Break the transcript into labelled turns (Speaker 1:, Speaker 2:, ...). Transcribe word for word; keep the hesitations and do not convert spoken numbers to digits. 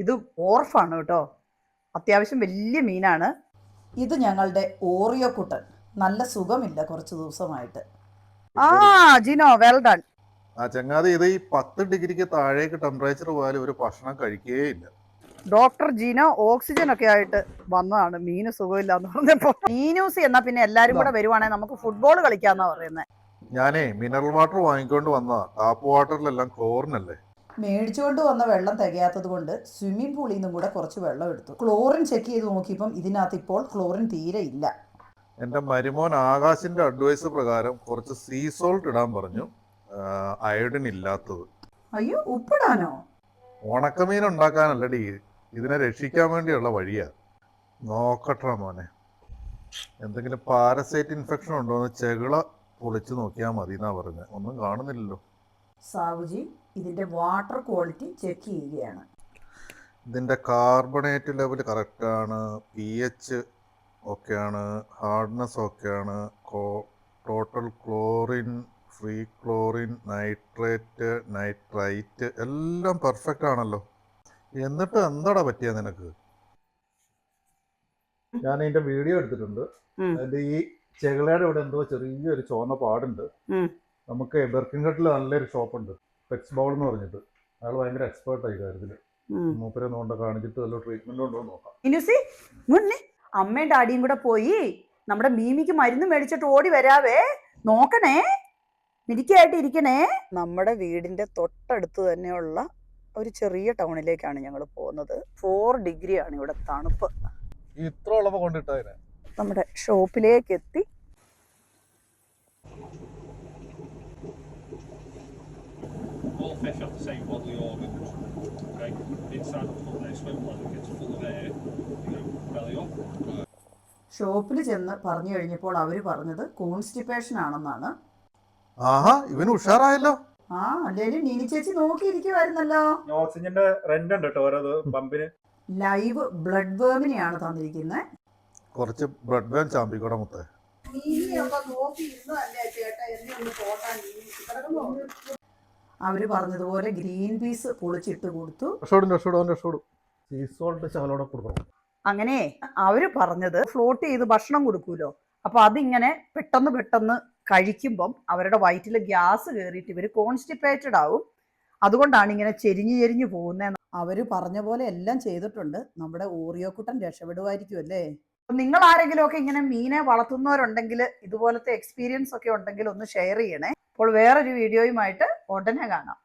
Speaker 1: ഇത് ഓർഫാണ് കേട്ടോ, അത്യാവശ്യം വലിയ മീനാണ്. ഇത് ഞങ്ങളുടെ ഓറിയോ കുട്ടൻ. നല്ല സുഖമില്ല കുറച്ച് ദിവസമായിട്ട്. ആ ജിനോ, വെൽ ഡൺ.
Speaker 2: ആ ചങ്ങാതി, ഇത് ഈ പത്ത് ഡിഗ്രിക്ക് താഴേക്ക് ടെമ്പറേച്ചർ പോയാലും ഒരു ഭക്ഷണം കഴിക്കുകയില്ല.
Speaker 1: ഡോക്ടർ ജിനോ ഓക്സിജൻ ഒക്കെ ആയിട്ട് വന്നതാണ്, മീന് സുഖമില്ല എന്ന് പറഞ്ഞപ്പോ. മീനൂസ് എന്നാ പിന്നെ എല്ലാരും കൂടെ വരുവാണെങ്കിൽ നമുക്ക് ഫുട്ബോൾ കളിക്കാന്നാ പറയുന്നത്.
Speaker 2: ഞാനേ മിനറൽ വാട്ടർ വാങ്ങിക്കൊണ്ട് വന്ന ടാപ്പ് വാട്ടറിലെല്ലാം ക്ലോറിൻ അല്ലേ.
Speaker 1: മേടിച്ചുകൊണ്ട് വന്ന വെള്ളം തികയാത്തത് കൊണ്ട് സ്വിമ്മിംഗ് പൂളിൽ നിന്നും കൂടെ കുറച്ച് വെള്ളം എടുത്തു. ക്ലോറിൻ ചെക്ക് ചെയ്ത് നോക്കിയപ്പം ഇതിനകത്ത് ഇപ്പോൾ ക്ലോറിൻ തീരെ ഇല്ല.
Speaker 2: എന്റെ മരുമോൻ ആകാശിന്റെ അഡ്വൈസ് പ്രകാരം കുറച്ച് സീ സോൾട്ട് ഇടാൻ പറഞ്ഞു, അയോഡിൻ ഇല്ലാത്തത്.
Speaker 1: അയ്യോ, ഉപ്പിടാനോ?
Speaker 2: ഉണക്കമീൻ ഉണ്ടാക്കാനല്ലടി, ഇതിനെ രക്ഷിക്കാൻ വേണ്ടിയുള്ള വഴിയാ. നോക്കട്ടെ മോനെ, എന്തെങ്കിലും പാരസൈറ്റ് ഇൻഫെക്ഷൻ ഉണ്ടോ എന്ന് ചെകിള പൊളിച്ചു നോക്കിയാൽ മതി എന്നാ പറഞ്ഞത്. ഒന്നും കാണുന്നില്ലല്ലോ.
Speaker 1: സാവുജി ഇതിന്റെ വാട്ടർ ക്വാളിറ്റി ചെക്ക് ചെയ്യുകയാണ്.
Speaker 2: ഇതിന്റെ കാർബണേറ്റ് ലെവൽ കറക്റ്റാണ്, പി എച്ച് ഓക്കെയാണ്, ഹാർഡ്നെസ് ഓക്കെയാണ്, total chlorine, free chlorine, nitrate, nitrite എല്ലാം പെർഫെക്റ്റ് ആണല്ലോ. എന്നിട്ട് എന്താടാ പറ്റിയ നിനക്ക്? ഞാൻ അതിന്റെ വീഡിയോ എടുത്തിട്ടുണ്ട്. അതിന്റെ ഈ ചെകിളയുടെ ഇവിടെ എന്തോ ചെറിയൊരു ചുവന്ന പാടുണ്ട്. നമുക്ക് ബെർക്കിൻഘട്ടിൽ നല്ലൊരു ഷോപ്പുണ്ട്, പെക്സ് ബൗൾ എന്ന് പറഞ്ഞിട്ട്. അയാൾ ഭയങ്കര എക്സ്പേർട്ട് ആയി കാര്യത്തില്. മൂപ്പരെ നോണ്ട കാണിച്ചിട്ട് നല്ല ട്രീറ്റ്മെന്റ് ഉണ്ടോ നോക്കാം. അമ്മയും ഡാഡിയും കൂടെ പോയി നമ്മുടെ മീമിക്ക് മരുന്ന് മേടിച്ചിട്ട് ഓടി വരാവേ. നോക്കണേ, മിടിക്കായിട്ട് ഇരിക്കണേ. നമ്മുടെ വീടിന്റെ തൊട്ടടുത്ത് തന്നെയുള്ള ഒരു ചെറിയ ടൗണിലേക്കാണ് ഞങ്ങൾ പോകുന്നത്. ഫോർ ഡിഗ്രി ആണ് ഇവിടെ തണുപ്പ്. ഇത്ര ഉള്ളപ്പോ കൊണ്ടിട്ടതിനെ
Speaker 1: നമ്മുടെ ഷോപ്പിലേക്ക് എത്തി.
Speaker 3: All fish have the same bodily organs. Okay, inside the foot they swim like it gets full of air. You know, belly up.
Speaker 1: ഷോപ്പിൽ ചെന്ന് പറഞ്ഞു കഴിഞ്ഞപ്പോൾ അവര് പറഞ്ഞത് കോൺസ്റ്റിപ്പേഷൻ ആണെന്നാണ്.
Speaker 2: ആഹാ, ഇവന് ഉഷാറായല്ലോ.
Speaker 1: ആ അല്ലേലും നീനി ചേച്ചി നോക്കിയിരിക്കുവായിരുന്നല്ലോ.
Speaker 4: ഓക്സിജന്റെ റെന്റ് ഉണ്ട് കേട്ടോ ഓരോ പമ്പിന്.
Speaker 1: ലൈവ് ബ്ലഡ് വേമിനെയാണ് തന്നിരിക്കുന്നത്.
Speaker 2: കുറച്ച് ബ്ലഡ് വേം ചാമ്പിക്കൂടെ മുത്തേ.
Speaker 1: അവര് പറഞ്ഞതുപോലെ ഗ്രീൻ പീസ് പൊളിച്ചിട്ട് കൊടുത്തു. അങ്ങനെ അവര് പറഞ്ഞത് ഫ്ലോട്ട് ചെയ്ത് ഭക്ഷണം കൊടുക്കൂലോ, അപ്പൊ അതിങ്ങനെ പെട്ടെന്ന് പെട്ടെന്ന് കഴിക്കുമ്പം അവരുടെ വയറ്റിൽ ഗ്യാസ് കയറിയിട്ട് ഇവര് കോൺസ്റ്റിപ്പേറ്റഡ് ആവും. അതുകൊണ്ടാണ് ഇങ്ങനെ ചെരിഞ്ഞു ചെരിഞ്ഞു പോകുന്നത്. അവര് പറഞ്ഞ പോലെ എല്ലാം ചെയ്തിട്ടുണ്ട്. നമ്മുടെ ഓറിയോ കുട്ടൻ രക്ഷപ്പെടുമായിരിക്കും അല്ലേ. നിങ്ങൾ ആരെങ്കിലും ഒക്കെ ഇങ്ങനെ മീനെ വളർത്തുന്നവരുണ്ടെങ്കിൽ, ഇതുപോലത്തെ എക്സ്പീരിയൻസ് ഒക്കെ ഉണ്ടെങ്കിൽ ഒന്ന് ഷെയർ ചെയ്യണേ. അപ്പോൾ വേറൊരു വീഡിയോയുമായിട്ട് ഉടനെ കാണാം.